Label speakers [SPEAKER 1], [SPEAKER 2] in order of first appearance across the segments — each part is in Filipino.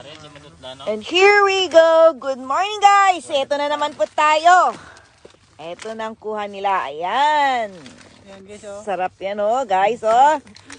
[SPEAKER 1] And here we go. Good morning, guys. Ito na naman po tayo. Ito na ang kuha nila. Ayan. Sarap yan, oh, guys, oh.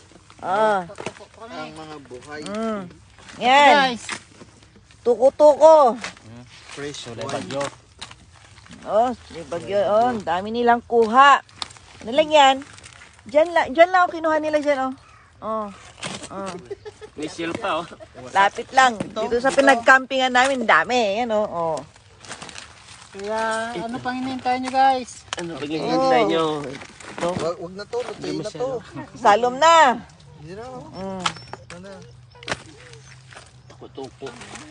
[SPEAKER 2] Ang mga buhay.
[SPEAKER 1] Yan. Tuko-tuko.
[SPEAKER 2] Fresh
[SPEAKER 3] Wala
[SPEAKER 2] one.
[SPEAKER 3] bagyo.
[SPEAKER 1] Oh, may bagyo. Oh, ang dami nilang kuha. Ano lang yan? Diyan lang ako kinuha nila dyan, oh. Oh. Oh.
[SPEAKER 3] May seal pa, oh.
[SPEAKER 1] Lapit lang. Dito sa pinagcampingan namin, dami. Yan, oh. Oh.
[SPEAKER 4] Kaya ano pang hinihintay nyo guys?
[SPEAKER 3] Ano pag hinihintay nyo?
[SPEAKER 2] Wag na to, lutuin na to.
[SPEAKER 1] Salom na.
[SPEAKER 2] Hindi na, oh.
[SPEAKER 1] Mm.
[SPEAKER 2] Ito na.
[SPEAKER 3] Tuko-tuko.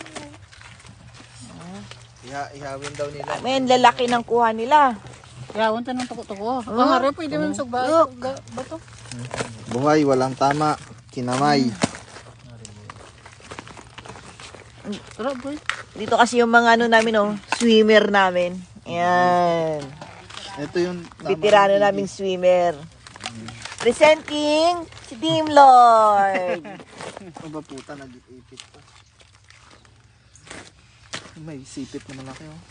[SPEAKER 2] Ihawin daw nila.
[SPEAKER 1] Men, lalaki ng kuha nila.
[SPEAKER 4] Kaya wanta ng tuko-tuko. Ang harap pwede mo sa bato.
[SPEAKER 2] Buhay, walang tama. Kinamay.
[SPEAKER 4] Sarap boy.
[SPEAKER 1] Dito kasi yung mga ano namin, oh, swimmer namin. Ayan.
[SPEAKER 2] Ito yung
[SPEAKER 1] Veterano naming swimmer. Presenting si Team Lord.
[SPEAKER 2] Ano ba puta, nag-ipit pa. May sipit naman laki, oh.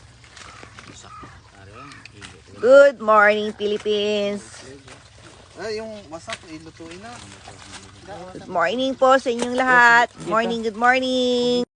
[SPEAKER 1] Good morning, Philippines.
[SPEAKER 2] Ay, yung wasak, ilutuin na.
[SPEAKER 1] Good morning po sa inyong lahat. Good morning, good morning.